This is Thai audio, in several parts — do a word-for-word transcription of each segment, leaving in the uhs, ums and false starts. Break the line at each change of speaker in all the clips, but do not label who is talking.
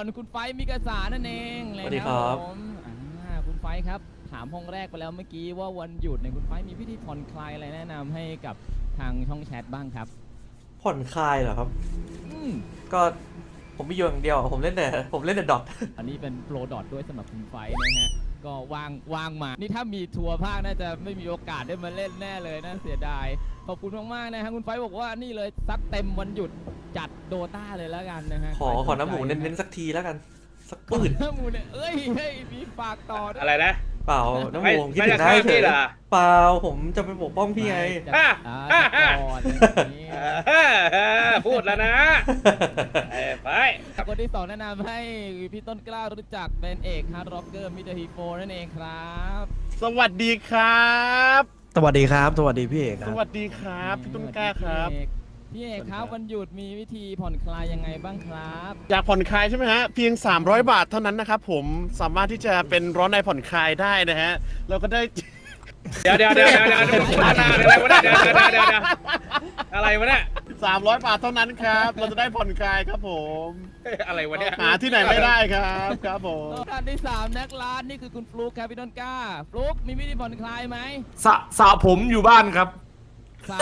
อนคุณไฟมิกาสานั่นเองเลย
สวัสดีครับ
ผมอ่าคุณไฟครับถามห้องแรกไปแล้วเมื่อกี้ว่าวันหยุดเนี่ยคุณไฟมีวิธีผ่อนคลายอะไรแนะนำให้กับทางช่องแชทบ้างครับ
ผ่อนคลายเหรอครับ
อืม
ก็ผมมีอยู่อย่างเดียวผมเล่นแต่ผมเล่นแต่ดอท
อันนี้เป็นโปรดอทด้วยสำหรับคุณไฟนะฮะก็วางวางมานี่ถ้ามีทัวร์ภาคน่าจะไม่มีโอกาสได้มาเล่นแน่เลยนะเสียดายขอบคุณมากๆนะฮะคุณไฟบอกว่านี่เลยซักเต็มวันหยุดจัดโดตาเลยแล้วกันนะฮะ
ขอขอน้ำหมูเน้นๆสักทีแล้วกัน สักปืน
น้ำหมูเนี่ยเอ้ยเฮ้ยมีฝากต่อด้วย
อะไรนะ
เปล่าน้ำห
ไม่
มูผมคิด
ไม่
ถึ
จะ
งได้
ฆ่า
เฉ
พี่
ย
เหรอ
เปล่าผมจะไปปกป้องพี่ไง
ไม่
อ่ะ
อ่า
อ่ะ
จัดก่อนอย่างนี้
พูดแล้วนะเอ้ยไป
คนที่สองแนะนำให้พี่ต้นกล้ารู้จักเป็นเอกฮาร์ดร็อกเกอร์มิสเตอร์ฮีโฟนั่นเองครับ
สวัสดีครับ
สวัสดีครับ สวัสดีพี่เอกค
ส
รับ
วัสดีครับพี่ต้นกล้าครับ
พี่เอกครับวันหยุดมีวิธีผ่อนคลายยังไงบ้างครับ
อยากผ่อนคลายใช่ไหมฮะ เพียง สามร้อย บาทเท่านั้นนะครับผมสามารถที่จะเป็นร้อนในผ่อนคลายได้นะฮะเราก็ได้
เดี๋ยวเดี๋ยวเดี๋ยวเดี๋ยวเดี๋ยวเดี๋ยวพัฒนาอะไรวะเนี่ยเดี๋ยวเดี๋ยวเดี๋ยวเดี๋ยวอะไรวะเนี่ย
สามร้อย บาทเท่านั้นครับ เราจะได้ผ่อนคลายครับผม
อะไรวะเนี่ย
หาที่ไหนไม่ได้ครับครับผม
ท่านที่สามนักร้านนี่คือคุณฟลุ๊กครับพี่ต้นกล้าฟลุ๊กมีวิธีผ่อนคลายไหม
สะสระผมอยู่บ้านครับ
สระ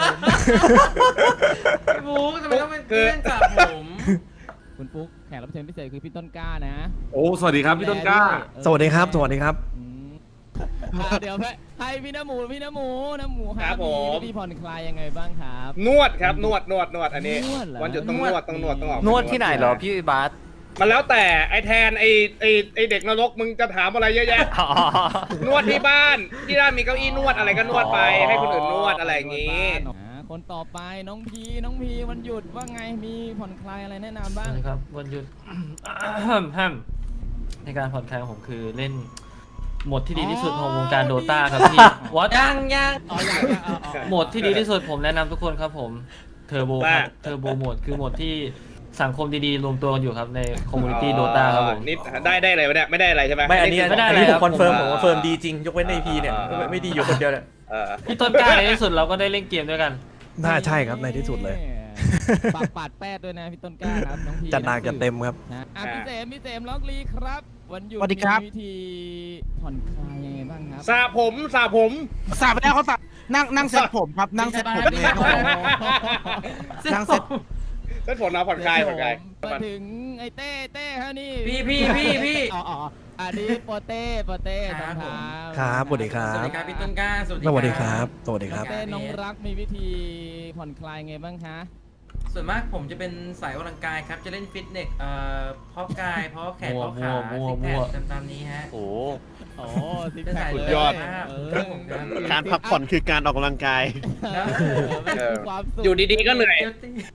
ผม
พี่บุ๊กทำไมต้องเป็นเรื่องจับผม
คุณฟลุ๊กแขกรับเชิญพิเศษคือพี่ต้นกล้านะ
โอ้ สวัสดีครับพี่ต้นกล้า สวัสดีครับ สวัสดีครับ
อืมอ่าเดี๋ยวให้พี่น้ำหมูพี่น้ำหมูน้ำหมูฮะมีวิธีผ่อนคลายยังไงบ้งครับ
นวดครับนวดนวดนวดอันนี้
นวดเหรอ
วันหยุดต้องนวดต้องนวดต้องออก
นวดที่ไหนเหรอพี่บาส
มันแล้วแต่ไอแทนไอไอไอเด็กนรกมึงจะถามอะไรเยอะแยะ นวดที่บ้านที่บ้านมีเก้าอี้นวดอะไรก็นวดไปให้คนอื่นนวดอะไรอย่างงี้
อ่าคนต่อไปน้องพีน้องพีวันหยุดว่าไงมีผ่อนคลายอะไรแนะนำบ้าง
นะครับวันหยุด แฮมในการผ่อนคลายของผมคือเล่นโหมดที่ดีที่สุดของวงการโดตาครับพี่วอต
ยังยัง
อ๋อยังยังอ๋ออ๋อ
โหมดที่ดีที่สุดผมแนะนำทุกคนครับผมเทอร์โบครับเทอร์โบโหมดคือโหมดที่สังคมดีๆรวมตัวกันอยู่ครับในคอมมูนิตี้โดตาครับผม
นี่ได้ได้อะไรวะเนี่ยไม่ได้อะไรใช่ไหม
ไม่อันนี้
ไม่ได้
อันนี้
เลย
ผ
ครั
ม
บ
คอนเฟิร์ม
ผม
ผมคอนเฟิร์มดีจริงยกเว้นในพีเนี่ยไม่ไม่ดีอยู่คนเดียวเนี่ย
เออ
พี่ต้นกล้าในที่สุดเราก็ได้เล่นเกมด้วยกัน
น่าใช่ครับในที่สุดเลย
ปากปาดแป้ดด้วยนะพี่ต้นกล้าครับน้องพี
จัดหนักจัดเต็มครับ
นะอ่ะพี่เสมพี่เสมล็อกลีครับ วันหยุด
สวัสดีครับ
มีวิธีผ่อนคลายยังไงบ้างครับ
สระผมสระผม
สาบไปแล้วเขาสับนั่งนั่งเซ็ตผมครับนั่งเซ็ตผม
ไม่ใช่บ้าน
นั่งเซ็ต
เส้นผมนะผ่อนคลายผ่อนคลาย
มาถึงไอ้เต้เต้ฮะนี่
พี่พี่พี่พี่
อ๋ออ๋ออันนี้โปเต้โปเต้สองเท้า
ครับสวัสดีครั
สวัส
บ
ดีครับพี่ต้นกล้าสวัสดี
สวัสดีครับ สวัสดีครับ
เต้น้องรักมีวิธีผ่อนคลายไงบ้างคะ
ส่วนมากผมจะเป็นสายออกกำลังกายครับ จะเล่นฟิตเนสเอ่อเพาะกายเพาะแขนเพาะขา
มั่ว
ซิก
มั่
แพ
ว
คตามๆนี้ฮะ
โอ้
โอ้ซิก
เป็น
แพ
สา
ค
ย
เล
สุดยอด
เอ
ครับผมครับ
การพักผ่อนคือการออกกำลังกาย
เออมันคือความสุข
อยู่ดีๆก็เหนื่อย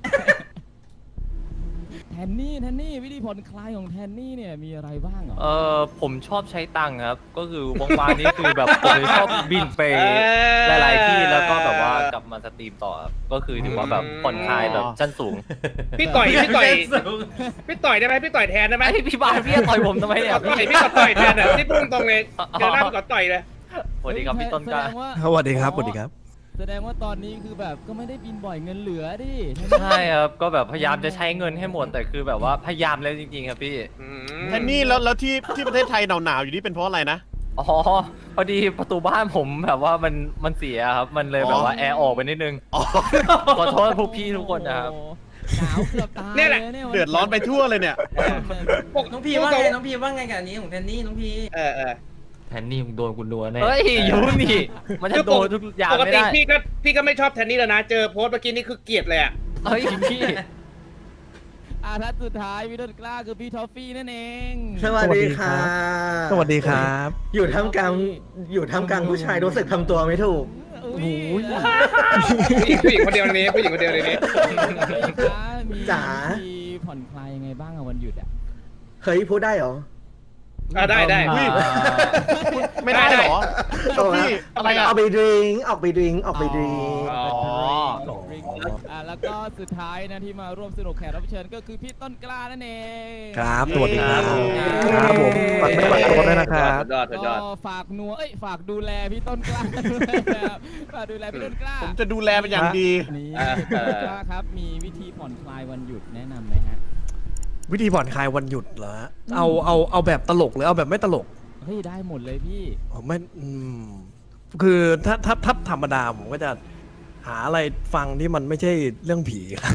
แทนนี่แทนนี่วิธีผ่อนคลายของแทนนี่เนี่ยมีอะไรบ้างเหรอ
เออผมชอบใช้ตังค์ครับ ก็คือว่างๆนี่คือแบบผมชอบบินไปหลายๆที่แล้วก็แบบว่ากลับมาสตรีมต่อครับก็คือถือว่าแบบผ่อนคลายแบบชั้นสูง
พี่ต่อยพี่ต่อยพี่ต่อยได้ไหมพี่ต่อยแทนได้ไหม
ไอพี่บาสพี่จะต่อยผมทำไมเนี่ย
ต่อยพี่ก็ต่อยแทนอ่ะที่พุ่งตรงเลยเจอหน้าพี่ก็ต่อยเลย
สวัสดีครับพี่ต้นกล้า
แสดงว่า
สวัสดีครับ สวัสดีครับ
แสดงว่าตอนนี้คือแบบก็ไม่ได้บินบ่อยเงินเหลือดิ
ใช่ครับก็แบบพยายามจะใช้เงินให้หมดแต่คือแบบว่าพยายามแล้วจริงๆครับพี่
แทนนี่แล้วแล้วที่ที่ประเทศไทยหนาวๆอยู่นี่เป็นเพราะอะไรนะ
อ๋อพอดีประตูบ้านผมแบบว่ามันมันเสียครับมันเลยแบบว่าแอร์ออกไปนิดนึงขอโทษพวกพี่ทุกคนนะครับ
โอ้หนาวเกือบตาย
เนี่ยแหละ
ย
เดือดร้อนไปทั่วเลยเนี่ย
น้องพีว่าไงน้องพีว่าไงกับอันนี้ของแทนนี่น้องพี
เออเออ
แทนนี่มึงโดนกูดัวแน่เฮ้ยยูนี่มันจะโดนทุกอย่าง
ปก
ไม่
ติ
ได้
พี่ก็พี่ก็ไม่ชอบแทนนี่แล้วนะ เจอโพสต์เมื่อกี้นี่คือเกลียดเลยอ่ะ
เฮ้ยพี่
อาทัศน์สุดท้ายพี่ต้นกล้าคือพี่ทอฟฟี่นั่นเอง
สวัสดีค่ะ
สวัสดีครับ
อยู่ท่ามกลางอยู่ท่ามกลางผู้ชายรู้สึกทำตัวไม่ถูก
อุ้ย
ผู้หญิงคนเดียวในนี้ผู้หญิงคนเดียวในนี้
มี
จ๋า
มีผ่อนคลายยังไงบ้างอะวันหยุดอะ
เฮ้ยพูดได้เหรอ
อ่าได้ได้
อุ้ย ไม่ได้เหรอ
เอา
พี่
ละ
อะไรอ่ะ
เอาไปดริงก์ออกไปดริงก์ออกไปดริงก์
อ๋อ
อ่าแล้วก็สุดท้ายนะที่มาร่วมสนุกแขกรับเชิญก็คือพี่ต้นกล้านั่นเอง
ครับ สวัสดีครับ ครับผมฝากไม่ฝากตัวด้วยนะครับ
สุดยอดสุดยอด
ก็ฝากนัวเอ้ยฝากดูแลพี่ต้นกล้าด้วยนะครับฝากดูแลพี่ต้นกล้า
ผมจะดูแลเป็นอย่างดี
นี่
อ่า
พี่ต้นกล้าครับมีวิธีผ่อนคลายวันหยุดแนะนำไหมฮะ
วิธีผ่อนคลายวันหยุดเหรอฮะเอาเอาเอาแบบตลกหรือเอาแบบไม่ตลก
เฮ้ยได้หมดเลยพี่
อ๋อไม่อืมคือถ้าถ้าถ้าธรรมดาผมก็จะหาอะไรฟังที่มันไม่ใช่เรื่องผีครับ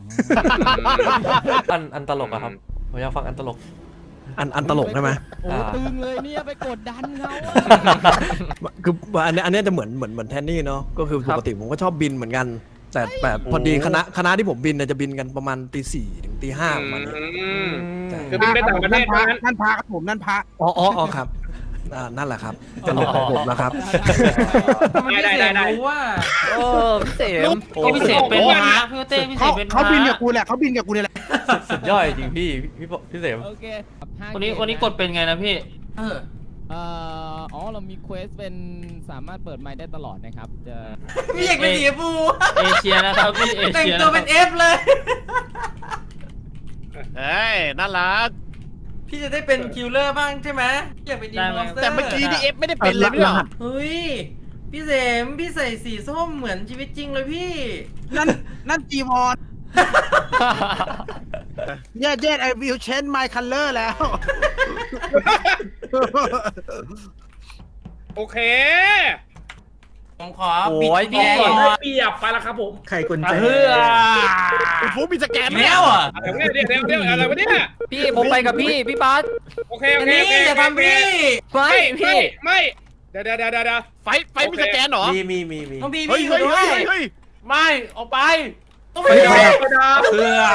อันอันตลกอะครับผมอยากฟังอันตลก
อันอันตลกใช่ไหม
โอ้
อ่า
ตึงเลยเนี่ยไปกดดันเขาอะ
คืออันนี้อันนี้จะเหมือนเหมือนเหมือนแทนนี่เนาะก็คือปกติผมก็ชอบบินเหมือนกัน แต่แบบพอดีคณะคณะที่ผมบินเนี่ยจะบินกันประมาณตีสี่ถึงตีห้าประมาณนี้
อืม
ใช่
คือบินไปต่างประเทศ
พระ
นั้น
นั่นพระครับผมนั่นพระ
อ๋ออ๋ออ๋อครับอ่านั่นแหละครับจะหลบของผมแล้วครับ
ทำไมพี่เสมรู้ว่า
เออพี่เสม
ก็พี่เสมเป็นพระพี่เต้พี่เส
เขา
มเป็นพ
เขา
ระ
บินกับกูแหละเขาบินกับกูเนี่ยแหละ
สุดยอดจริงพี่พี่ปพี่เสม
โอเคห้า
วันนี้
เม
วันนี้กดเป็นไงนะพี่เออ
เอ่ออ๋อเรามีเควสเป็นสามารถเปิดไมค์ได้ตลอดนะครับจะ
พี่เอกเป็นสีฟูเอเชียนะครับพี่เอเชียแต่งตัวเป็นเอฟเลย
เอ้ยน่ารัก
พี่จะได้เป็นคิลเลอร์บ้างใช่ไหมอยากเป็นอินมอนสเตอร์
แต่เมื่อกี้นี่เอฟไม่ได้เป็นเลยไม่เหรอ
เฮ้ยพี่เสมพี่ใส่สีส้มเหมือนชีวิตจริงเลยพี่
นั่นนั่นจีวอนเย็ดเย็ดไอวิวเชนไมคัลเลอร์แล้ว
โอเค
ผมขอ
โอ้ย
ปิด
พี่
ก่อน
เปียบไปแล้วครับผม
ไข่กุญแจ
เฮือ
คุณฟุ๊กมีสแกนไหม
แล้วอ่ะ
เดี๋ยวเดี๋ยวเดี๋ยวเดี๋ยวอะไรวะเนี่ย
พี่ผมไปกับพี่พี่บัส
โอเคโอ
อัน
เค
นี้
โอเค
อย่าทำพี่
ไม่
ไม่
พี่
ไม่เดี๋ยวเดี๋ยวเดี๋ยวเดี๋ยว
ไฟไฟมีสแกนเหรอ
มีมีมีมี
ต้องพี่
เฮ้ย
พี่อยู่
เฮ้ย
ด้ว
เฮ้
ย
ยเฮ้ย
ไม่ออกไป
ต้องพี่
เฮ้ย
เฮือก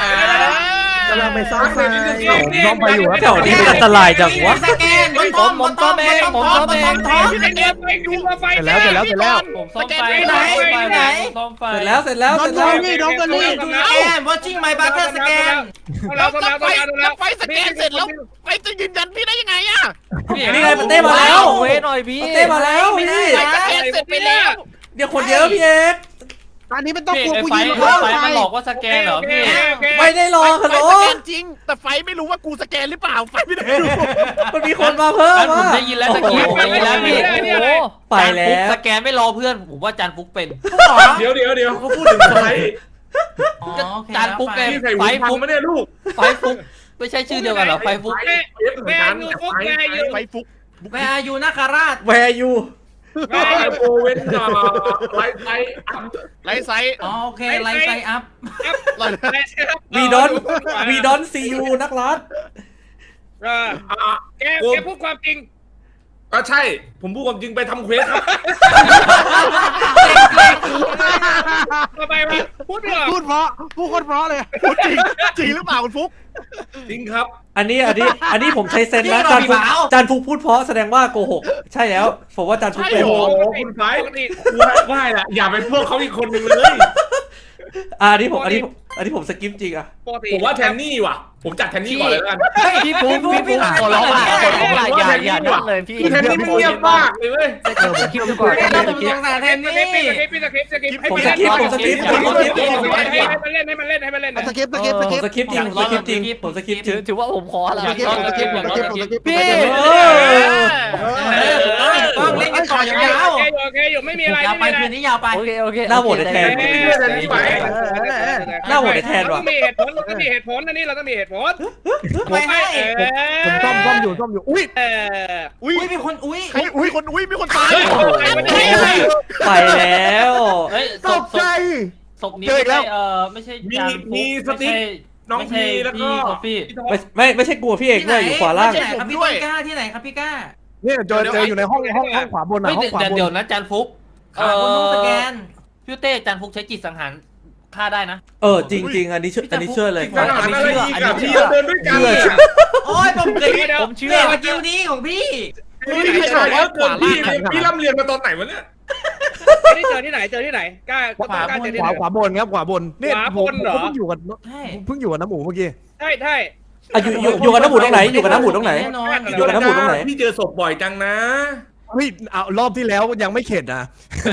ำลังไปซ่อมไฟ
น้องไปอยู่ครับ
แถวนี้มันอันตรายจังวะ
สแกนบนท้องบนท้องบนท้องบนท้องบนท้อง
พี่สแกนไปดูมาไฟ
เสร็จแล้วเสร็จแล้วเสร็จแล้ว
ผมซ่อมไฟ
ไหนไหน
ซ่อมไฟ
เสร็จแล้วเสร็จแล้ว
น้อ
เสร็
ง
จ
โด
แล้ว
นี่น้องโดนี่
สแกน watching my brother สแกน
แล้วไฟแล้วไฟสแกนเสร็จแล้ว
ไฟจะยืนยันพี่ได้ยังไงอะ
นี่ไงมันเต้มาแล้ว
เวหน่อยพี่
มันเต้มาแล้ว
ไม่ได้
พี่
สแกนเสร็จไปแล้ว
เดี๋ยวคนเยอะพี่เอก
ตอนนี้ไม่ต้อง
พี่
กลัว
ไอ้
กู
ไฟ
ยืน
ไอ้
ข้าง
ไฟ
ไฟ
มันหลอกว่าสแกนเหรอพี่
ไม่ได้รอฮัลโหล
ไฟสแกนจริง แต่ไฟไม่รู้ว่ากูสแกนหรือเปล่าไฟไม่ได้ดู
มันมีคนมาเพิ่ม
ผม
อ่ะ
ได้ยินแล้วตะกี้ผมได้ยินแล้วพี่โอ้โห
ไปแล้ว
จานฟุกสแกนไม่รอเพื่อนผมว่าจานฟุกเป็น
เดี๋ยวเดี๋ยวเดี๋ยวเขาพูดถึงไฟ
จานฟุกไงไฟฟุกไม่ได้ลูกไฟฟุกไม่ใช่ชื่อเดียวกันเหรอไฟฟุก
แม่แม่ยูฟุกแม่ยู
ไฟฟุก
แวร์ยูนาคาราช
แวร์ยู
แม่โอเวนไลไล
ไลท์ไซส์
อ๋อโอเคไลท์ไซอัพ
วีดอนวีดอนซียูนักรัฐ
แกแกพูดความจริง
ก็ใช่ ผมพูดความจริงไปทำเควสครับ
ทำไมวะพูดไม่ออก
พูดเพราะพูดคนเพราะเลย
พูดจริงจริงหรือเปล่าคุณฟุ๊ก
จริงครับ
อันนี้อันนี้อันนี้ผมใช้เซนส์นะจานฟุกจานฟุกพูดเพราะแสดงว่าโกหกใช่แล้วผมว่าจานฟุกเป็น
โอ้โหคุณไฟว่าแหละอย่าเป็นพวกเขาอีกคนหนึ่งเลย
อ่าอันนี้ผมอันนี้ผมอันนี้ผมสกิปจริงอ่ะ
ผมว่าแทนนี่ว่ะ ผมจัดแทนนี่ก่อนเลยแล้วกัน
พี่ฟุกพี่ฟุกขอร้องอ่ะขอร้องอ่ะอย่าอย่านั่นเลยพี่
แทนนี่มันเงียบมากเลยเว้ย
เออผมคิดดูก่อน
เราผมสงสารแทน
พี่
นี่
สกิปพี่สกิปสกิป
ผมสกิปผมสกิปผมสกิปผมสกิป
ให้มันเล่นให้มันเล่นให้มันเล่น
สกิปสกิปส
ผม
กิป
สกิปจริงผมสกิปจริงผมสกิปจริ
ถื
ง
อถือว่าผมขอละ
สกิปสกิปสกิปสกิป
พี่
เออ
ต้องเล่นกันต่อยาว
โอเคอยู่โอเคอยู่ไม่มีอะไร
ยาวไป
ไม่มีอะไร
คืนนี้ยาวไป
โอเคโอเค
หน้าโหวตแทน หน้าโหวตแทนว่ะ
เราต้องมีเหตุผลเราต้องมีเหตุผลอันนี้เราต้องมีเหตุผล
ไม่ให้
ผมซ่อมซ่อมอยู่ซ่อมอยู่อุ้ย
เออ
อุ้ย
อุ้ยมีคนอุ้ย
อุ้ยอุ้ยคนอุ้ยมีคนตาย
ไปแล้ว
เฮ้ย
ตกใจ
ศพนี้ไม่ใช่เออไม่ใช่จานฟุกไม่ใช่
น้องพีแล้วก็
พี่คอฟฟี่
ไม่ไม่ไม่ใช่กลัวพี่เอกด้วยอยู่ขวาล่าง
ที่ไหนครับพี่ต้นกล้าที่ไหนครับพี่กล้า
เนี่ยเจอเจออยู่ในห้องห้องห้องขวาบนนะ
ไม่
ห้องขวา
เดี๋ยว
บน
เดี๋ยวนะจานฟุก
ขาคนต้องสแกน
พี่เต้จานฟุกใช้จิตสังหารฆ่าได้นะ
เออจริงจริงอันนี้เชื่ออันนี้เชื่อเลย
ขนาดนั้นเลยอีกอะพี่เดินด้วยกัน
โอ้ยผมเคย
ผมเชื่อ
เรียกว่ากิวนี้ของพี่
พี่ใช่ว่าเกิดพี่พี่ร่ำเรียนมาตอนไหนวะเนี่ย
นี่เจอที่ไหนเจอที่ไหนกล้า
ขวาก
ล้าเจอที่
ข
ไหน
วาขวาบนครับขวาบนเนี่ย
ขวา
ผ
บ
ม
นเหรอ
ผมเพิ่งอยู่กับ
ใช่
เพิ่งอยู่กับน้ำหมูเมื่อกี้
ใช่ใช่
อ่ะอยู่อยู่อยู่กับน้ำหมูตรงไหนอยู่กับน้ำหมูตรงไหน
แน่นอน
อยู่กับน้ำหมูตรงไหน
พี่เจอศพบ่อยจังนะ
เฮ้ยเอารอบที่แล้วยังไม่เข็ดนะ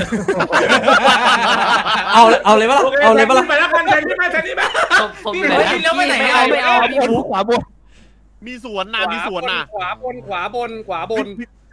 เอาเอาเลยปะล่ะเอาเลยปะล่ะ
ไปแล้วกันแทนนี่ไหมแทนนี่ไหม
ศพศพ
พี่
อยู่ไหน
พี่
นะ
แล้วไปไหน
ไม่
อะ
เอาไม่เอา
พี่ฟุกขวาบน
มีสวนนะมีสวนนะ
ขวาบนขวาบนขวาบน
พี่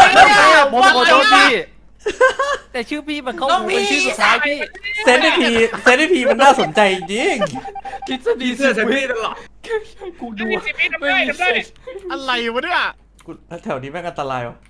ผมขอโทษพี่แต่ชื่อพี่มันเข้าหูเป็นชื่อสุดท้ายพี่
เซนต์พีเซนต์พีมันน่าสนใจจริง
ทฤษฎี
เสื้อฉันไม่ตลอด
กูดู
มีสิบวิทำได้ทำได้
อะไรวะเนี่ย
กูแถวนี้แม่งอันตรายวะ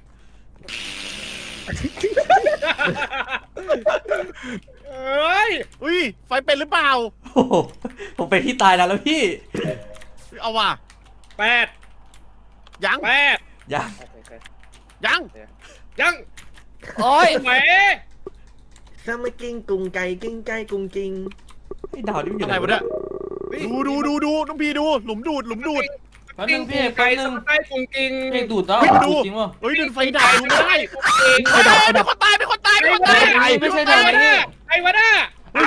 เอ้ย
อุ้ยไฟเป็นหรือเปล่า
โอ้โหผมไปที่ตายแล้วแล้วพี่
เอาว่ะ
แปด
ยัง
แปด
ยัง
ยัง
ยัง
โอ้ย
แหม
ถ้าไม่กิ้งกุงไก่กิ้งไก่กุงกิง
ไอ้ดาวนี่มันอยู่
อะไร
ไหน
วะเนี่ยดูดูดูดูน้องพีดูหลุมดูดหลุมดูด
แป๊บนึงพี่
ไก่
แป๊บนึง
สไตล์กุ้งกิง
เพลงดูดแล้ว
เฮ้ยดู
จริงป่ะ
เฮ้ยดึงไฟดับดูไม่ได้
ไฟดับ
ไฟดับเป็นคนตายเป็นคนตายเป็นคนตาย
ไม่ใช่ทางนี้
ไอ้วะน่ะ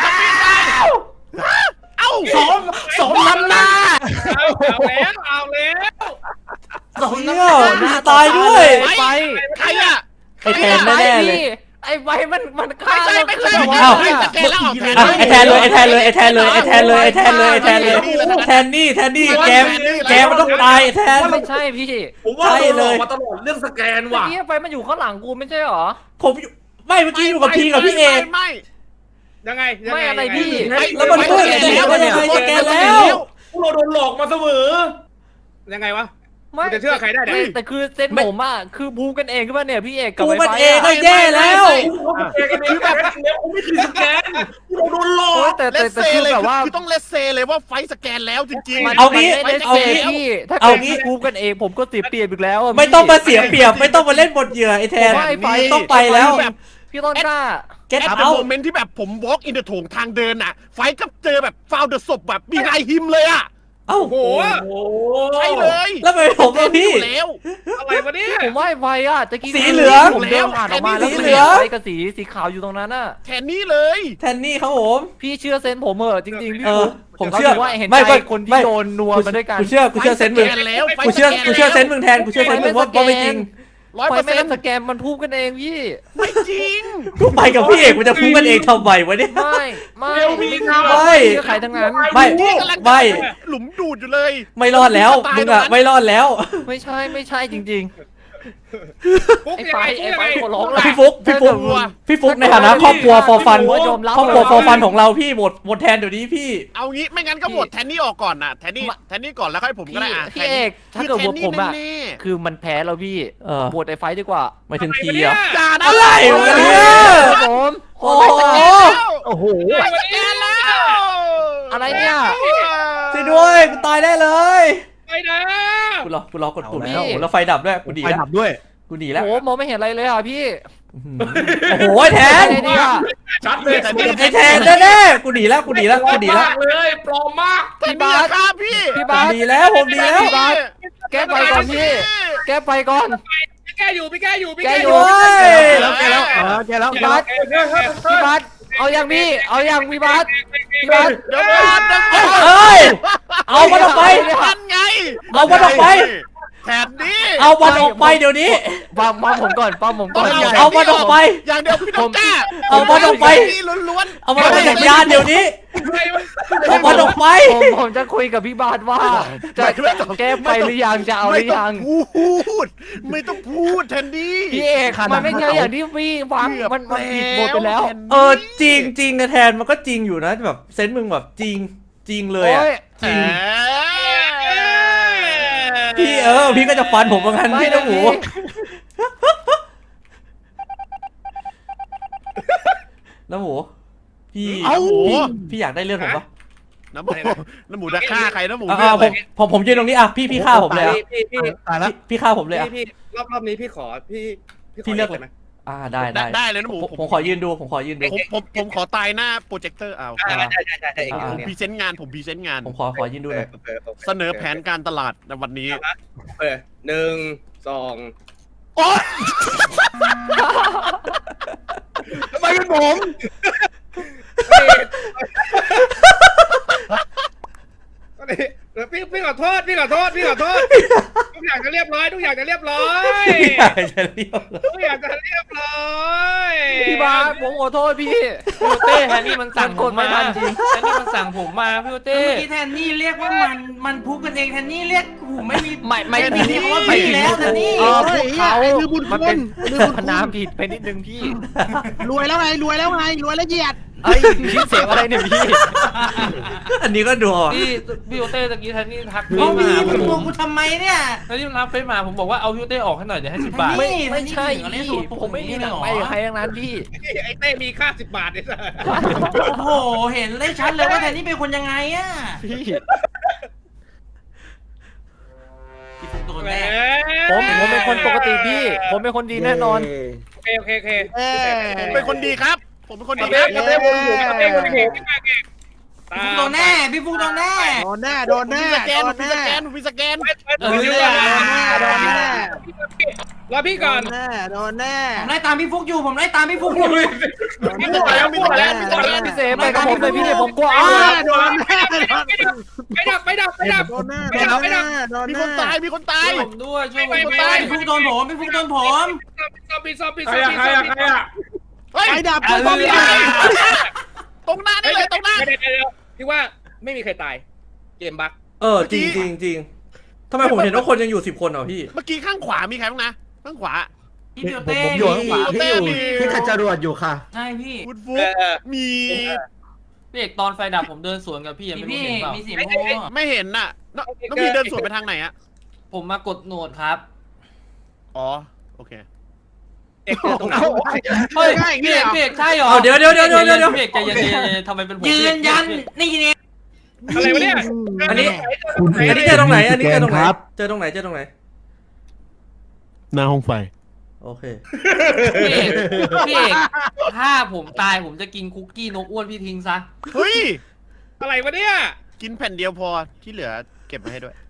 เอ้า
สมสมน้ำหน้า
เอาเอาแล้วเอาแล้ว
สม
เชี่
น้ำ
ย
หน้า
มีตายด้วย
ไอ้ไป
ใครอะ
ไอ้แทนแน่ๆเลย
ไอ้ไปมันมันฆ่า
ไม่ใช่ไม่ใช่
เรา
ไม่
ขึ้น
ใช่
มา
สแกนแล้วออกแทน
อ่ะไอ้แทนเลยไอ้แทนเลยไอ้แทนเลยไอ้แทนเลยไอ้แทนเลยไอ้แทนเลยแทนนี่แทนนี่แกมแกมันต้องตายไอ้แทน
ไม่ใช่พี่
ผมว่า
ใช่
โดนห
เล
ลอก
ย
มาตลอดเรื่องสแกน
เมื่อ
ว่ะ
กี้ไปมันอยู่ข้างหลังกูไม่ใช่หรอ
ผมอยู่ไม่เมื่อกี้อยู่กับพี่กับพี่เอก
ไม่
ยังไงยัง
ไม่
ง
อะไรพี่
แล้วมันพูดอย่างนี้ได้ยังไงสแกนแล้ว
พวกเราโดนหลอกมาเสมอ
ยังไงวะ
ไม่
จะเชื่อใครได้เนี่ย
แต่คือเซนผมอ่ะคือบูกันเองขึ้นมาเนี่ยพี่เอกกับ
กู
ไอ้
มัน
ไฟ
เองก็
อะ
แย่แล้ว
สแกนกันเองแบบแล้วผมไม่คือสแกนพวกเราโดนหลอ
โอ้ย
ก
แต่
เล
แต่
สเซ
แต่คือ
เลย
แบบว่า
คือต้องเลสเซเลยว่าไฟสแกนแล้วจริง
มัน
เอางี้
ไม่ได้
เอา
เซ
งี้
พี่ถ้า
เอา
เกิด
งี้
บูกันเองผมก็เสียเปรียบอีกแล้วะ
ไม่ต้อง
พี่
มาเสียเปรียบไม่ต้องมาเล่นบทเหยื่อไอ้แทน
ไม่ไป
ต้องไปแล้ว
พี่ต้นกล้า
เก็ต
แอด
เอา
โมเมนต์ที่แบบผมวอล์กอินเดอะโถงทางเดินน่ะ ไฟก็เจอแบบฟาวเดอร์ศพแบบมีไฮฮิมเลยอ่ะ
เอ้า
โอ้โห
โอ้
ใช่เลย
แล้วทำไมผมกับพี่
อยู่แล้ว
อะไรวะเนี่ย
ผมว่าไอ้ไฟอ่ะตะกี้
สีเหลือง
ผมเดินผ่านออกมาแล้ว
สี
มัน
เหลื
เห็
อน ง
ไฟกับสีสีขาวอยู่ตรงนั้นน่ะ
แทนนี่เลย
แทนนี่ครับผม
พี่เชื่อเซนผมเหอะจริงๆพี่
เออ
ฟุ๊ก
ผมเชื่อ
ราถืว่าเห็น
ไม่
ใจ
ไม่
คนที่
ไม่
โดนนัวมาด้วยกัน
กูเชื่อกูเชื่อเซนส์มึง
สแกนแล้วไฟ
กูเชื่อ
สแกน
กูเชื่อเซนส์มึงแทนกูเชื่อเซนส์มึงว่าว่าไม่จริง
ร้อย
ไฟ
เปอร์
ไม่
เซ็น
ได้
ต์
สแกนมันพูดกันเองพี่
ไม่จริง
กูไปกับพี่เอกมันจะพูดกันเองทำไมวะเนี่ย
ไม่ไม่
เร็วพี่ครับ
ไม่
เชื่อใครทั้งนั้น
ไม่
นี่กำลังจะ
ไม่
หลุมดูดอยู่เลย
ไม่รอดแล้วมึงอะไม่รอดแล้ว
ไม่ใช่ไม่ใช่จริง
ฟุ๊ก
ไอ้
ยัง
ไฟ
ไง
ไอ้ไฟ
ฟุ๊ก
ขอร้อง
ยังไง
พี่ฟุกพี่ฟุกพี่ฟุกในฐานะครอบครัวฟอร์ฟัน
ผมยอมรับ
ครอบครัวฟอร์ฟันของเราพี่หมดหมดแทนเดี๋ยวนี้พี่
เอางี้ไม่งั้นก็โหวตแทนนี่ออกก่อนนะแทนนี่แทนนี่ก่อนแล้วค่อยผมก็
พี่
ได้อ่ะ
พี่เอกถ้าเกิดว่าผมอะ
แทนนี่แน่
คือมันแพ้แล้วพี่
เออ
โหวตไอ้ไฟดีกว่า
หมายถึงที
อะไร
เหรอ
วะเนี่ย
ๆอย่านะ
อะไรวะเนี่ย
ครับผม
โอ้
โอ้
โห
โอ้โห
ไม่สแกนแล้ว
อะไรเนี่ย
ช่วยด้วยกูตายได้เลย
ไปนะ
กูรอกูรอกดปุ่ม
เอาแล้ว
โอ้โหแล้วไฟดับด้วยกูดี
ไฟ
แล้ว
ดับด้วย
กูดี
โอ้
แล้ว
โหมองไม่เห็นอะไรเลยอ่ะพี่
โอ้โหแทน
อะไรเนี่ย
ชัดเลย
ไอ้แทนแน่ๆกูดีแล้วกูดีแล้วกูดีแล้ว
มากเลยปลอมมาก
แทนนี่อย่าฆ่าพี่
พี่
ผม
บาส
ดีแล้วผมดีแล้ว
พี่บาสแก้ไฟก่อนพี่แก้ไฟก่อน
พี่แกอยู่พี่แกอยู่พี่
แก
แก
อ
อยู่ ยู่
แล้วแกแล้วอ๋อแกแล้ว
พี่บาสพี่บาสเอาอย่างพี่เอาอย่างพี่บาสพี่บาส
เดี๋ยวก่อนเดี๋ยวก่อน
เอ้ยเอามันออกไป
นั่นไง
เอามันออกไป
แทนนี่
เอามันออกไปเดี๋ยวนี้
ปั๊มปั๊มผมก่อนปั๊มผมก่อน
เอา
เอามันออกไป
อย่างเดียวพี่ต้องกล้า
เอามันออกไป
นี่ล้วน
เอามันออกไปจากยานเดี๋ยวนี้
อะไรวะ
เอามันออกไป
ผมผมจะคุยกับพี่บาสว่า จะแก้ไฟหรือยังจะเอาห
ไม่
รือ
ต้อ
ยัง ง
พูด ไม่ต้องพูดแทนนี่
พี่เอกมันไม่ใช่อย่างที่พี่ฟังมันมันผิดหมดไปแล้ว
ทนนี่
เออจริงจริงนะแทนมันก็จริงอยู่นะแบบเซนส์มึงแบบจริงจริงเลยอะ
โอ้ย
จริง
แหม
พี่เออพี่ก็จะฟันผมเหมือนกันพี่น้ำหมูน้ำหมูพี่
เอ้า
พี่พี่อยากได้เลือดผมปะ
น้ำหมูน้ำหมูจะฆ่าใครน้ำหมู
อ่า
เลือด
ผ
เลย
มผมผมยืนตรงนี้อ่ะพี่พี่ฆ่าผมเลยอ่ะ
พี่พี่พี่
ตายแล้ว
พี่พี่ฆ่าผมเลยอ่ะ
พี่รอบรอบนี้พี่ขอพี่ข
พี่เลือก
เลยไหม
อ่าได้
ได้
ได้
ได้เลยน้ำหมู
ผมผมขอยืนดูผมขอยืนดู
ผมผมผมขอตายหน้าโปรเจคเตอร์เอา
อ่าได้ได้ได้ได้อีก
อ่า
ผมพรีเซนต์งานผมพรีเซนต์งาน
ผมขอขอยืนดูหน่อย
เสนอแผนการตลาดในวันนี้
เออหนึ่งสอง
โอ๊ยทำไมเป็นผม
พี่พี่ขอโทษพี่ขอโทษพี่ขอโทษทุกอย่างจะเรียบร้อยทุกอย่างจะเรียบร้อย
อยากจะเรียก
ทุกอย่างจะเรียบร้อย
พี่บาสผมขอโทษพี่พี่โอเต้แทนนี่มันสั่งผมมาแทนนี่มันสั่งผมมาพี่โอเต้
เมื่อกี้แทนนี่เรียกว่ามันมันพุกกันเองแทนนี่เรียกหูไม่มี
ไม่ไม่
ไม่มีคำว่าพี่แล้วแทนนี่
เออพวกเขา
ไอ้คือบุญ
มัน
คุ
เป็น
ณไอ้คือบุญ
พ
คุณ
นามผิดไปนิดนึงพี่
รวยแล้วไงรวยแล้วไงรวยแล้วเหยียด
เอ้ยพี่เสียงอะไรเนี่ยพี่
อันนี้ก็ดูอ่ะ
พี่พี่โอเต้ตะกี้แทนนี่ทัก
โอ้
พี่
พี่
มา
มึงโกงกูทำไมเนี่ย
แทนนี่มันรับเฟซมาผมบอกว่าเอาพี่โอเต้ออกให้หน่อยเดี๋ยวให้สิบบาท
ไม่
ไม่ใช่
ไม่
พี่
ใช่
ผมไม่มีหนังไปกับใครทั้งนั้นพี่
ไอ้เต้มีค่าสิบบาทเนี่ย
โอ้โหเห็นได้ชัดเลยว่าแทนนี่เป็นคนยังไงอะ
พี่
พี่ฟุกโดน
แหม
แน่
ผมผมเป็นคนปกติพี่ ผมเป็นคนดีแน่นอน
โอเคโอเคโอเค
เอ้ย
ผมเป็นคนดีครับ ผมเป็นคนดี
เต้
ครับ
เต้วนอยู่เต้วนอยู่พี่มาเก่ง
พี่ฟุกโดนแน่พี่ฟุกโดนแน่
โดนแน่โดน
ผม
แน่
มีสแกน
โด
ผ
น
มมี
แน่
สแกนผมมีสแกน
เออโดนแน่รอพี่ก่อน
โดนแน่โดนแน่
ผมไล่ตามพี่ฟุกอยู่ผมไล่ตามพี่ฟุกอยู่
มีสแกนมีสแกนมีสแกน
พี่เสมไปกับผมเลยพี่ผมกลัว
โด
อ้าน
แน่โดนแน่
ไปดับไปดับไปดับ
โดนแน่
ไปดับไปดับ
โดน
มี
แน่
คนตายมีคนตาย
ผมด้วยช่วยผม
ไป
ด้วย
พี่ฟุกโดนผมพี่ฟุกโดนผม
ซอมบี้ซอมบี้
ใค
ซ
ร
อม
อะ
บี้
ใครอะใครอะ
เฮ้ย
ไฟดับ
ตรง
ตรง
นี้
นี้
ตรงหน้านี่เลยตรงหน้า
เดี๋ยวเดี๋ยวพี่ว่าไม่มีใครตายเกมบั๊ก
เออจริงจริงจริงทำไมผมเห็นว่าคนยังอยู่สิบคนอ่ะพี่
เมื่อกี้ข้างขวามีใครบ้างนะข้างขวา
พี่เปียวเต้
ผมอยู่ข้างขวาพี่อยู่ที่ขัดจรวดอยู่ค่ะ
ใช่พี่
ฟุตฟุกมี
พี่เอกตอนไฟดับผมเดินสวนกับพี่ยัง
พี่
ไม่รู้
พี่
เห็นเปล่า
มีเสียงโม้
ไม่เห็นน่ะน้องน้องพี่เดินสวนไปทางไหนอะ
ผมมากดโหนดครับ
อ๋อโอเค
เอกตรงไหน
เฮ้ยพี่เอกพี่เอกใช่เหรอ
เอาเดี๋ยวเดี๋ยวเดี๋ยวเดี๋ยวเดี๋ยว
พี่เอกใจเย็นใจเย็นทำไมเป็นผม
ยืนยันนี่เนี่ย
อะไรวะเนี่ย
อันนี้อันนี้เจอตรงไหนอันนี้เจอตรงไหนเจอตรงไหนเจอตรงไหน
หน้าห้องไฟ
โอเค
พี่เอกพี่เอกถ้าผมตายผมจะกินคุกกี้นกอ้วนพี่ทิ้งซะ
เฮ้ย
อะไรวะเนี่ย
กินแผ่นเดียวพอที่เหลือเก็บมาให้ด้วย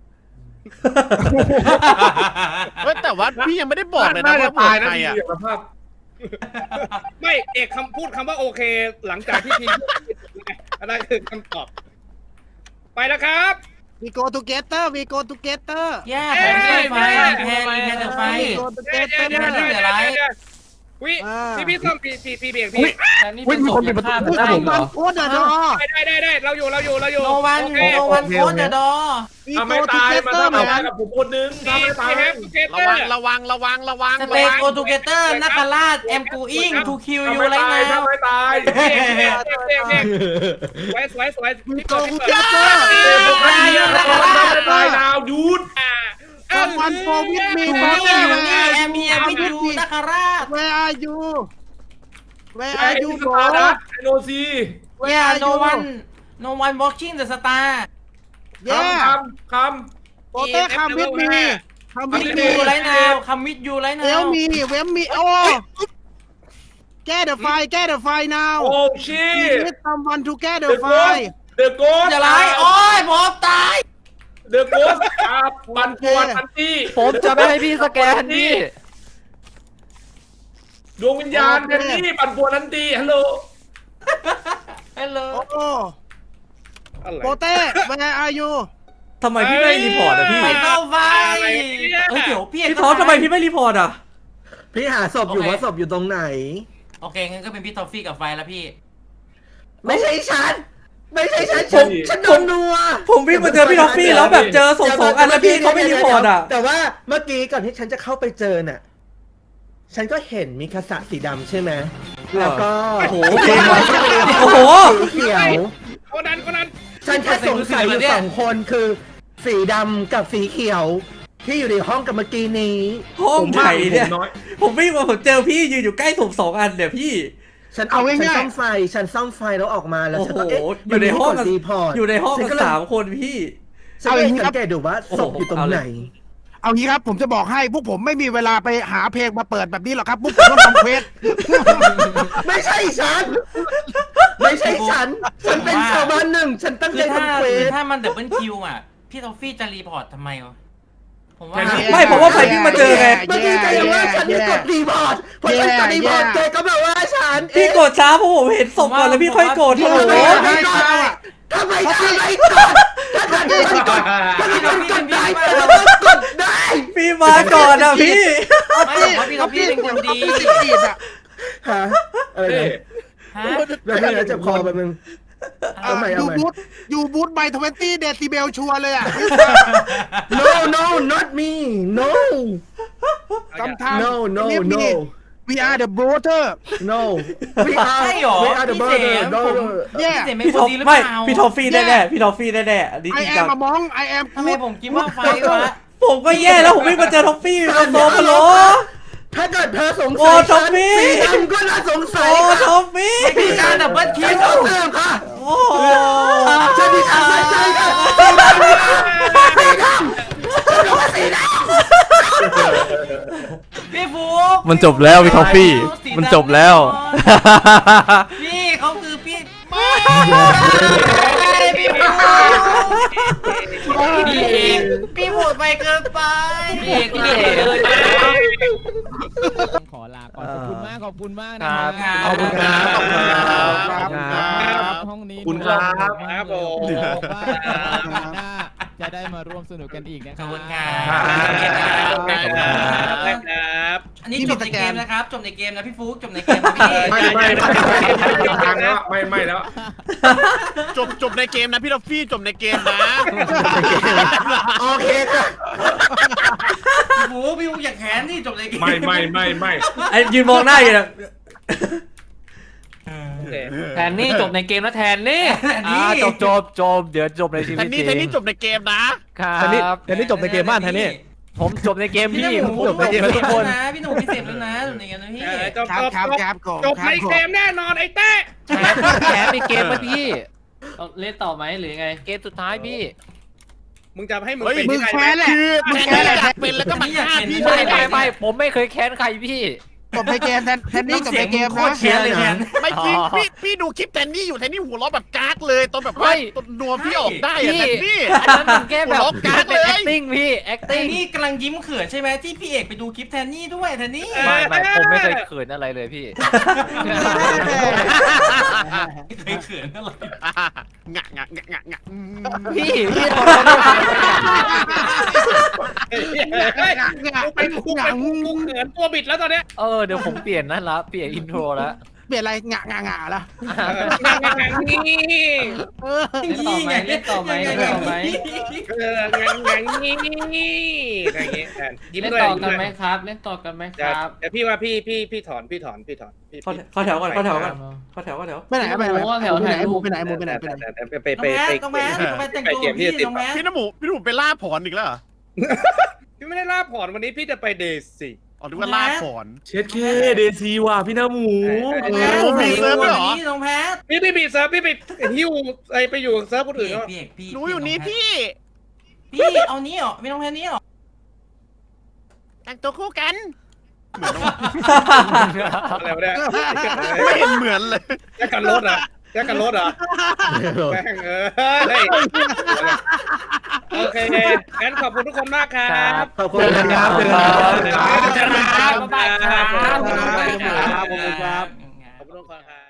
เฮ้ยแต่ว่าพี่ยังไม่ได้บอกเลยนะ
น่าจะ
ว่า
ตาย
ใค
นะ
ร
พี่
อะ
สภาพ
ไม่เอกคำพูดคำว่าโอเคหลังจากที่ทีมอันนั้นคือคำตอบไปแล้วครับ
วีโกทูเกเตอร์วีโกทูเกเตอร์
แย่แทนนี่ไฟแทนนี่แทนไฟ
วีโกทูเก
เดี๋ยว
เตอ
เดี๋ยว
ร์
เดี๋ยวเดี๋ยวเดี๋ยววิพี่พี่ส้มพี่พี่พี่เบียงพี่
แต่นี่เป็นศพยังฆ่าไม่ได้เหรอ
โอ้เดอดอ
ได้ได้ได้เราอยู่เราอยู่เราอยู่
โนวัน
โอเค
โนวันโคตรดอ
วี
ถ้า
โก
ไม่
ทู
ตาย
เก
มัน
เตอ
ต้อ
ร์
ง
เหมือน
ตา
กั
ย
น
กับผมคนนึงถ้าไม่ตาย
ระวังระวังระวังระวัง
สเตโกทูเกเตอร์นักราชแอมกูอิงทูคิว
ถ้า
ยู
ไม่
ไร
ตาย
นา
ถ้าว ไม่ตาย
สวยสวยสวย
วี
พี่
โก
เกิด
ทู
พี่
เก
เกิด
เตอร์
ถ้าไม่ตายดาวดูด
ซัมวันโฟวิดมี
ทู
ฟอร์
นี่
เตอร์
นี่แอมเฮียวิจูนักราช
Where are you Where
ไอ้
are
ยู
you
ส
bro
ตาร์นะไอโนซี
Where
ย่า
are
โน
you
วันโนวันวอล์กิ้งเดอะสตาร์
Yeah
คำคำ
โปเต้คัมวิดมีคัม
คัม
วิ
มิ
ด
ด
มี
ยูไรนาวคัมมิดยูไรนา
เอล
ว
มีเวมมีโอ้แก้เดอะไฟแก้เดอะไฟ now
โอ้ชิ
We need someone to get the
เดอะโก
fire
เดอะโกส
จะไรโอ้ยผมตาย
เดอะโกสอาบันปวนทันที
ผมจะไม่ให้พี่สแกนพี่
ดวงวิญญาณแทนนี่บันปวนทันทีฮัลโหล
ฮัลโหล
โอ้โปเต้ Where are you
ทำไมพี่ไม่รีพอร์ตอ่ะพี่
ไปเข้าไฟเฮ้ยเดี๋ยวพี่
พี่ท็อปทำไมพี่ไม่รีพอร์ตอ่ะ
พี่หาศพอยู่ว่าศพอยู่ตรงไหน
โอเคงั้นก็เป็นพี่ทอฟฟี่กับไฟแล้วพี่
ไม่ใช่ฉัน ไม่ใช่ฉันฉันฉันโดนนัว
ผมวิ่งมาเจอพี่ท็อฟฟี่แล้วแบบเจอศพสองอันแล้วพี่เขาไม่รีพอร์ตอ่ะ
แต่ว่าเมื่อกี้ก่อนที่ฉันจะเข้าไปเจอน่ะ ฉันก็เห็นมีคาสะสีดำใช่ไหมแล้วก็
โอ้โหเกมไว้โอ้โห
สีเขียว
คนนั้นคนนั้น
ฉันแค่สงสัยอยู่สองคนคือสีดำกับสีเขียวที่อยู่ในห้องกับเมื่อกี้นี้
ห้องไหนเนี่ย
ผมน้อย
ผมวิ่งมาผมเจอพี่ยืนอยู่ใกล้ผมสองอันเนี่ยพี่
ฉันเอาฉันซ่อมไฟฉันซ่อมไฟแล้วออกมาแล้ว
โอ้
ฉัน
โห
ก็เอ๊ะ
อยู่ในห้อง
มั
กัน
มีที่กดรีพอร์ต
อยู่ในห้อง
ฉั
กัน
ก็เลย
สามคนพี่
ฉันก็เลยสังเกตดูว่าศพอยู่ตรงไหน
เอางี้ครับผมจะบอกให้พวกผมไม่มีเวลาไปหาเพลงมาเปิดแบบนี้หรอกครับพวกผมต้องทำเควส
ไม่ใช่ฉัน ไม่ใช่ฉัน ฉันเป็นชาวบ้านหนึ่งฉันตั้ง
คื
ใจ
อถ้า
ทำเคว
คือ
ส
ถ้ามันดับเบิลคิวอ่ะพี่ทอฟฟี่จะรีพอร์ตทำไมวะผมว่า
ไม่ผมว่าใครวิ่งมาเจอไง
เมื่อกี้แกยังว่าฉันไม่กดรีพอร์ตพอฉันกดรีพอร์ตแกก็มาว่าฉัน
พี่กดช้าเพราะผมเห็นศพก่อนแล้วพี่ค่อยกด
ทำ
โอ้โห
ไมทำไมทำไมกดถ้าฉันไม่กดถ้าฉันไม่กดได้เราก็กดได้
พี่มาก่อนอะพี่
ไม่ผมว่าพี่ทอฟฟี่เป็นคนดี
ฮะอะไรนะ
ฮะ
แล้วนี่นะเจ็บคอแบบนึง เอาใหม่
อ
เอา
ยู่
ใหม่
บูธอยู่บูธใบทเวนตี้เดซิเบลชัวร์เลยอ่ะ
no no not me no
กำทำ
no no no
we are the brother
no we are
ใช่หรอ
we are the
พี่เส
brother
ม
no
ผม
no
เนี่ย
พี่เสมเป็น
พี่
ค
ท
น
อฟ
ดีหรือ
ไม่
เปล่า
พี่ทอฟฟี่แน่ๆพี่ทอฟฟี่แน่ๆอันนี้
ไอ
จริง
แอ
จั
ม
ง
มามอง I am
ทำไมผมคิดว่าไฟวะ
ผมก็แย่แล้วผมวิ่งมาเจอทอฟฟี่มาโซมาโล
ถ้าเกิดเธอสง
โอ้
สัย
ท็อปปี้
สีดำก็น่าสงสั
โอ้
ยค่ะ
ทอฟฟี่
พี่การดับเบิลคิ
ฉัน
ว
ต้องเติมค่ะ
โอ้โห
ฉันมีทางสายใจค่ะสีดำสีดำฉันรู้ว่าสีดำ
พี่ฟุก
มันจบแล้วพี่ทอฟฟี่มันจบแล้ว
พี่เขาคือพี่พี่ฟุกพี่เอกพี่โหดไปเกินไปพี่เอกพี่เอก
ขอลาก่อนขอบคุณมากขอบคุณมากนะครับ
ขอบคุณครับ
ขอบคุณครับ
ขอบคุณครับ
ห้องนี้
ขอบคุณครับ
ครับผม
บอกว่าหน้าจะได้มาร่วมสนุกกันอีกนะค
ข
รั
อ
บบ
คุณครั
ครับ
บ
ครับ
อันนี้จบในเกมนะครับจบในเกมนะพี่ฟุกจบในเกมนะพี่
ไม่ไม่ไม่ทางแล้วไม่ไม่แล้ว
จบจบในเกมนะพี่ทอฟฟี่จบในเกมนะ
โอเคค่ะ
พี่ฟุกพี่ฟุกอย่าแค้นที่จบในเกม
ไม่ไม่ไม่ไม่
ไอ้ยืนมองหน้าอยู่เนี่ย
แทนนี่จบในเกมแล้วแทนนี่
อ่าจบจบ
จบเดี๋ยวจบในชี
แท
วิต
น
จ
นี่
ริง
แทนนี่จบในเกมนะ
ครั
แทนนี่
บ
แทนนี่จบในเกมบ้านแทนนี่
ผมจบในเกม
พี่
พี่
ห
ผ
นู
มจบในเกมแล้วทุกคน
นะพี่หนูพี่เสพแล้วนะจบในเกมนะพี่
จบ
ครับ
จบ
ครับ
จบ
ครับก่อน
จบในเกมแน่นอนไอ้เต้
แถมแถมในเกมมาพี่เอาเล่นต่อไหมหรือไง เกมสุดท้ายพี่
มึงจะให้มึง
เฮ้ย
เป็น
มึ
ที่
ง
ไหน
แพ้แหละ
คือ
มึ
แท
ง
น
แพ้
นี่
แหละ
อยากเป็นแล้วก็มาฆ่าพี่
ไม่
ใช่ไหม
ไม่ไม่ผมไม่เคยแค้นใครพี่
จบในเกมแทนแทนนี่จบในเกม
โค
นะ
ตรเชียร์เลยแทน
ไม่จริงพี่พี่ดูคลิปแทนนี่อยู่แทนนี่หัวเราะแบบกากเลยตอนแบบว่า
ไม่
ตอนนัวพี่ออกได้อะแทนนี่
อันนั้นมันแค่แบบ
หัวเราะกาก
เป็น
เลย
acting พี่
แทน
acting
นี่กำลังยิ้มเขินใช่ไหมที่พี่เอกไปดูคลิปแทนนี่ด้วยแทนนี่
ไม่ไม่ผมไม่เคยเขินอะไรเลยพี่
เคยเขินอะไร
งะงะงะงะงะอืม
พี่พี่ท
กูเป็นกูเป็นกูเขินตัวบิดแล้วตอนเนี้ย
เออเดี๋ยวผมเปลี่ยนนั่นละเปลี่ยนอินโทรแล้ว
เปลี่ยนอะไรงะงะงะละ
นี่
เออ
เล่นต่อไหมเล่นต่อไหมเล่นต่อไหม
เอองังงังนี่อะไรอย่างเงี้ยแทนยิ้ม
เล่น
ด้วย
ต่อ
ยิ้ม
กัน
ด้วย
ไหมครับ เล่นต่อกันไหมค
เดี๋ยว
รับ
เดี๋ยวพี่ว่าพี่พี่พี่ถอนพี่ถอนพี่ถอนพี่
เข้าเข้าแถวก่อนเข้าแถวก่อนเข้าแถวเข้าแถว
ไปไหนไปไหน
โอ้แถว
ไปไหน
ถ่ายรูป
ไปไหนไปไหนไปไหน
ไปไปไป
น้อง
ไป
แมสน้องแมสน้องแมสแต่ง
ไป
ตัว
เกมที่
พี่
ติด
น้องแมส
พี่น้ำหมูพี่น้ำหมูไปล่าผอนอีกแล้วเหรอ
พี่ไม่ได้ล่าผ่อนวันนี้พี่จะไปเดซี่
อ๋อนึกว่าล่าผอน
เช็ดเคเดซีว่ะพี่น้าหมู
น้องแมส
โอ้มีเซิร์ฟด้วยเหรอ
นี่น้องแพท
พี่พี่บีเซิร์ฟพี่ไปหิ้วไอไปอยู่เซิร์ฟคนอื่นเขา
พี่เอกพี่
หนูอยู่นี่พี่
พี่เอานี้เหรอไม่น้องแพทนี้เหรอ
แต่งตัวคู่กัน
อะไรวะเนี่ย
ไม่เห็นเหมือนเลย
แยกกันรถอ่ะแยกกันรถอ่ะแม่งเออโอเคงั้นขอบคุณทุกคนมากครับ
ขอบคุณครับ
ขอบคุณครับ
บ๊ายบายครับ
ขอบคุณครับ
ขอบคุณครับ
ขอบคุณทุกคนครับ